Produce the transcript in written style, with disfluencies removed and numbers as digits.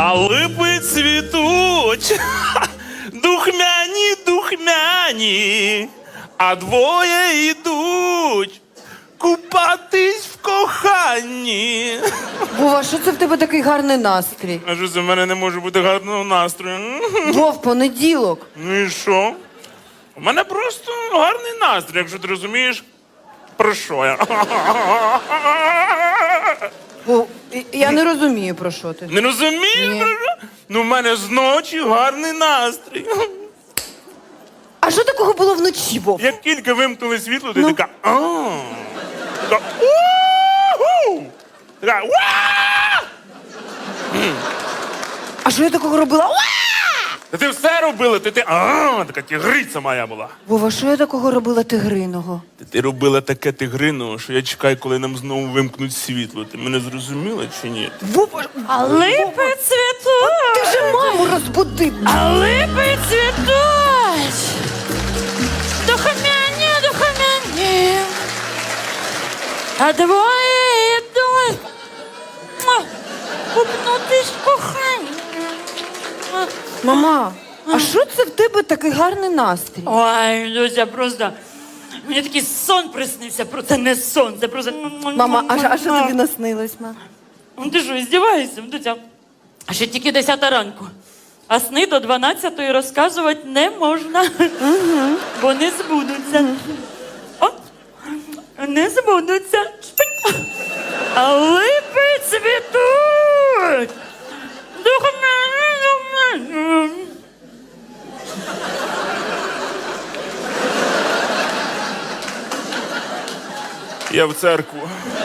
А липи цвітуть, духмяні, духмяні, а двоє йдуть купатись в коханні. Вова, що це в тебе такий гарний настрій? А що це в мене не може бути гарного настрою? Вов, понеділок. Ну і що? У мене просто гарний настрій, якщо ти розумієш, про що я. Вов, я не розумію, про що ти. Не розумієш, Ні. про що? Ну, в мене зночі гарний настрій. А що такого було вночі, Вов? Як тільки вимкнули світло, ти Ну. така така «У-ху!» Така «Уа!» А що я такого робила? Уа! Та ти все робила, така тігриця моя була. Вова, що я такого робила тигриного? Ти робила таке тигрино, що я чекаю, коли нам знову вимкнуть світло. Ти мене зрозуміла чи ні? Вова, А липи цвітуть. ти вже маму розбудив. А липи цвітуть. Духомяні, духомяні. А двоє йдуть. Купнутись в коханні. Мама, а що це в тебе такий гарний настрій? Ой, Люся, просто... Мені такий сон приснився, це не сон, це просто... Мама, а що тобі наснилось, мама? Ну ти що, здіваєшся, Дуся? А ще тільки 10 ранку. А сни до 12-ї розказувати не можна. Бо не збудуться. О, не збудуться. Шпинь. А липи цвітуть. Духомяні. Я в церкву.